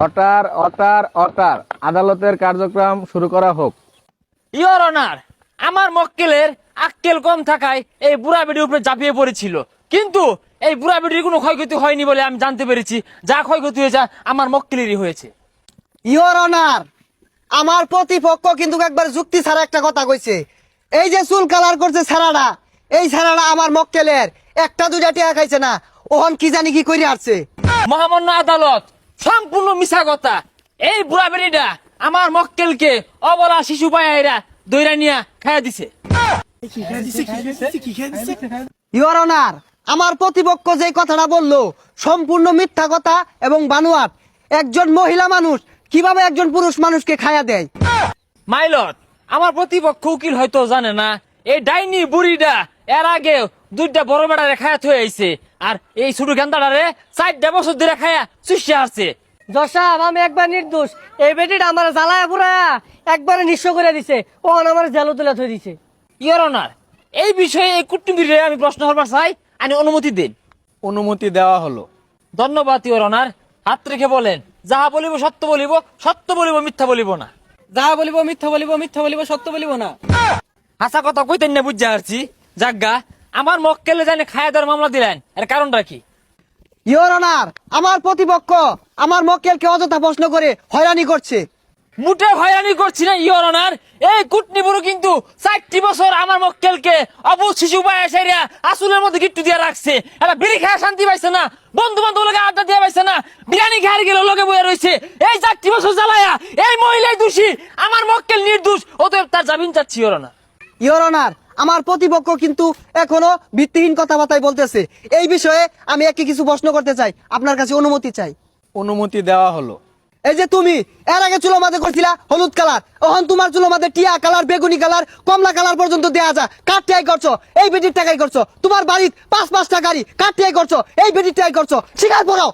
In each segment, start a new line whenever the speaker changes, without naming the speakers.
Order order order আদালতের কার্যক্রম শুরু করা হোক।
ইওর অনার, আমার মক্কেলের আক্কেল কম থাকায় এই বুড়া বেডির উপরে ঝাঁপিয়ে পড়েছিল, কিন্তু এই বুড়া বেডির কোনো ক্ষয়ক্ষতি হয়নি বলে আমি জানতে পেরেছি। যা ক্ষয়ক্ষতি হয়েছে আমার মক্কেলেরই হয়েছে।
ইওর অনার, আমার প্রতিপক্ষ কিন্তু একবার যুক্তি ছাড়া একটা কথা কইছে। এই যে চুল কালার করছে ছাড়াটা, এই ছাড়াটা আমার মক্কেলের একটা দুইটা টিয়া খাইছে না, ওহন কি জানি কি করে আসছে।
মহামান্য আদালত, সম্পূর্ণ মিছা কথা। এই বুড়া বেডিটা আমার মক্কেলকে অবলা শিশু পায়রা দইরা নিয়া খাইয়া দিছে।
ইওর অনার, আমার প্রতিপক্ষ যে কথাটা বললো সম্পূর্ণ মিথ্যা কথা এবং বানোয়াট। একজন মহিলা মানুষ কিভাবে একজন পুরুষ মানুষকে খায়া দেয়?
মাইলট, আমার প্রতিপক্ষ উকিল হয়তো জানে না, এই ডাইনি বুড়িটা এর আগে দুইটা বড় বেড়ারে খায়া থয়ে আইছে, আর এই ছোট গেন্দাটারে 4 বছর ধরে খায়া চুষে আসছে।
জসাব, আমি একবার নির্দোষ। এই বেটিটা আমার জ্বালায় পুরায়া একবারে নিঃস্ব করে দিছে, ওখানে আমার জেলো তুলে থই দিছে।
ইওর অনার, এই বিষয়ে এই কূটনীতিরে আমি প্রশ্ন করবার চাই, আমি অনুমতি দিন।
অনুমতি দেওয়া হলো।
ধন্যবাদ ইওর অনার। হাত রেখে বলেন, যাহা বলিব সত্য বলিব, সত্য বলিব, মিথ্যা বলিব না।
যাহা বলিব মিথ্যা বলিব, মিথ্যা বলিব সত্য বলিব না।
হাসা কথা কইতেন না, বুঝতে পারছি। জাগা, আমার মক্কেলে জানে খায়া দেওয়ার মামলা দিলেন, এর কারণটা কি?
ইওর অনার, আমার প্রতিপক্ষ আমার মক্কেলকে অযথা প্রশ্ন করে হয়রানি করছে।
মুটে হয়রানি করছি না ইওর অনার। এই কুটনি বুড়ো কিন্তু 4 বছর আমার মক্কেলকে অবুঝ শিশু পায় সেরা আসলের মধ্যে গিট্টু দিয়ে রাখছে। এটা বিড়ি খায় শান্তি পাইছে না, বন্ধু বান্ধব লোকে আড্ডা দিয়ে পাইছে না, বিরিয়ানি খায় গেলে লোকে বয়ে রয়েছে। এই 4 বছর জ্বালায়া এই মহিলাই দোষী, আমার মক্কেল নির্দোষ, অতএব তার জামিন চাচ্ছি ইওর অনার।
ইওর অনার, আমার প্রতিপক্ষ কিন্তু এখনো ভিত্তিহীন কথাবার্তাই বলতেছে। এই বিষয়ে আমি একটি কিছু প্রশ্ন করতে চাই, আপনার কাছে অনুমতি চাই।
অনুমতি দেওয়া হলো।
এই যে তুমি এর আগে চুলো মাঝে করছিলা হলুদ কালার, এখন তোমার চুলো মাঝে টিয়া কালার, বেগুনি কালার, কমলা কালার পর্যন্ত দেয়া যায়। কার টিয়াই করছো? এই বেটির টাকাই করছো। তোমার বাড়ির 5-5টা গাড়ি কার টিয়াই করছো? এই বেটির টাকাই করছো। স্বীকার করো।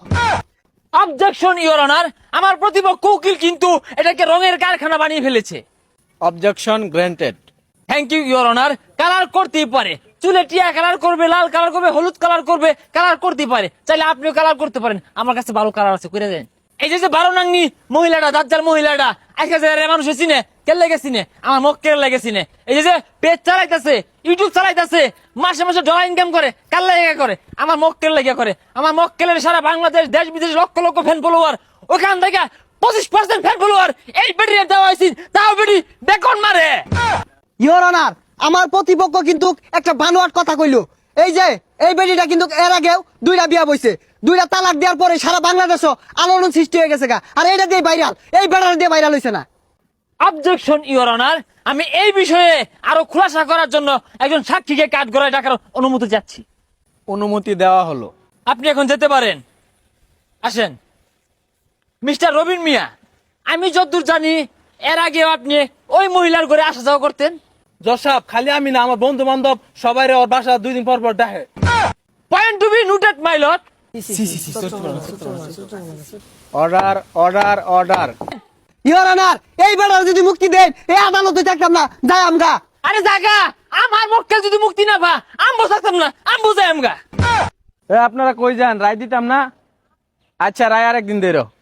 অবজেকশন ইওর অনার, আমার প্রতিপক্ষ উকিল কিন্তু এটাকে রঙের কারখানা বানিয়ে ফেলেছে।
Objection granted.
Thank you your honour. Colour করতেই পারে, চুলে টিয়া কালার করবে, লাল কালার করবে, হলুদ কালার করবে, কালার করতেই পারে। চাইলে আপনিও কালার করতে পারেন, আমার কাছে ভালো কালার আছে, করে দেন। এই যে 12 নাংনি মহিলাটা, দাজ্জাল মহিলাটা, আজকে যে মানুষ চিনে, কে লেগে চিনে? আমার মক্কেল লেগে চিনে। এই যে পেজ চালাইতেছে, ইউটিউব চালাইতেছে, মাসে মাসে ডলার ইনকাম করে, কার লেগে করে? আমার মক্কেল লেগে করে। আমার মক্কেলের সারা বাংলাদেশ, দেশ বিদেশ লক্ষ লক্ষ ফ্যান ফলোয়ার, ওখান থেকে 25% ফ্যান ফলোয়ার এই বেটির দেওয়া হয়েছে, তাও বেটি বেকন মারে।
ইওর অনার, আমার প্রতিপক্ষ কিন্তু একটা বানোয়াট কথা কইলো। এই যে এই বেটিটা কিন্তু এর আগেও 2টা বিয়া বইছে, 2টা তালাক দেওয়ার পরে সারা বাংলাদেশও আলোড়ন সৃষ্টি হয়ে গেছে গা। আর এটা দিয়ে ভাইরাল, এই বেটার দিয়ে ভাইরাল হইছে না।
অবজেকশন ইওর অনার, আমি এই বিষয়ে আরো খুলাসা করার জন্য একজন সাক্ষীকে কাঠ গড়ায় ডাকার অনুমতি চাচ্ছি।
অনুমতি দেওয়া হলো।
আপনি এখন যেতে পারেন, আসেন। মিস্টার রবিন মিয়া, আমি যতদূর জানি এর আগেও আপনি ওই মহিলার ঘরে আসা যাওয়া করতেন।
জসাব, খালি আমি না, আমার বন্ধু বান্ধব সবাই ওর বাসা 2 দিন পর পর দেখে।
Point to be noted my lord.
Order order order.
Your honour, এই বেটার যদি মুক্তি দেন এই আদালতে থাকতাম না, যাই আমগা।
আরে জাগা, আমার মক্কেল যদি মুক্তি না পা, আমবো থাকতাম না, আমবো যাই আমগা।
আপনারা কই যান? রায় দিতাম না? আচ্ছা, রায় আরেকদিন দেরো।